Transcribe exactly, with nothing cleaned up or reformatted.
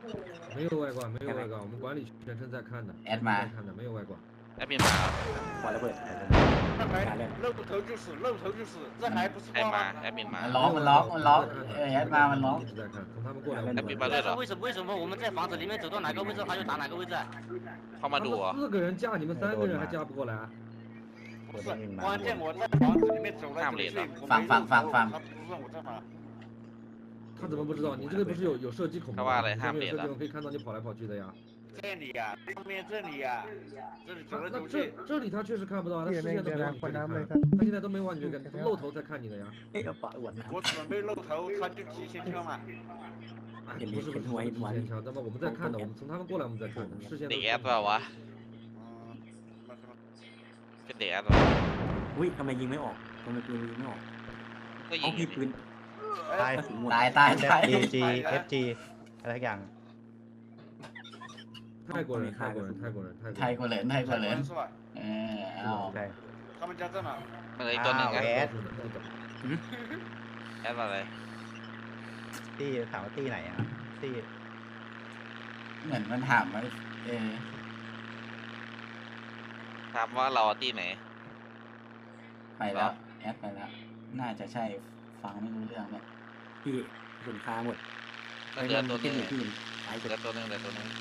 没有外挂，没有外挂，我们管理全程在看的， แอดมา在看的，没有外挂。 แอดมินมาครับปล่อยระเบิด那还露头就是露头就是，这还不是ใคร挂มา吗？ แอดมินมามันร้องมันร้องมันร้องเออแอดมามันร้อง一直在看，从他们过来， แอดมินมาด้วยเหรอ为什么为什么我们在房子里面走到哪个位置他就打哪个位置？ เข้ามาดูเหรอ四个人架你们三个人还架不过来？ 不是，关键我在房子里面走来走去，我没放放放他不让我在哪。 他怎么不知道？你这个不是有有射击孔吗？上面有射击孔可以看到你跑来跑去的呀。 这里呀，上面这里呀，这里走来那走去这。这里他确实看不到啊，他视线都没往你这里看，他现在都没往你这里看，露头在看你的呀。 เฮ้ยเอาปะอวดนะ我准备露头，他就提前跳嘛。 哎，不是不是不是提前枪，那么我们在看的，我们从他们过来我们在看的，视线เด็都กแอดเปล่าวะ嗯，那什么？ เป็นเด็กแอดเปล่าอุ้ยทำไมยิงไม่ออกทำไมปืนยิงไม่ออกก็เอายิงอพี่ยู่ดิปืนตายกระสุนหมดตายตายตาย G G F G อะไรทุกอย่าง泰国人，泰国人，泰国人， ไทย泰กว่าเหรินไทยกว่าเหริน是吧？ เออเอาใช่他们家在哪？ มันเลยตัวหนึ่งอ้าวไงแอดแอดอะไรตี้ถามว่าตี้ไหนอ่ะตี้เหมือนมันถามว่าเออถามว่าเราที่ไหนไปแล้วแอดไปแล้วน่าจะใช่ฟังไม่รู้เรื่องเลยพี่กระสุนคาหมดก็เหลือตัวหนึงขึ้นอยู่ที่ตายเหสุดลือตัวหนึงเหลือตัวหนึง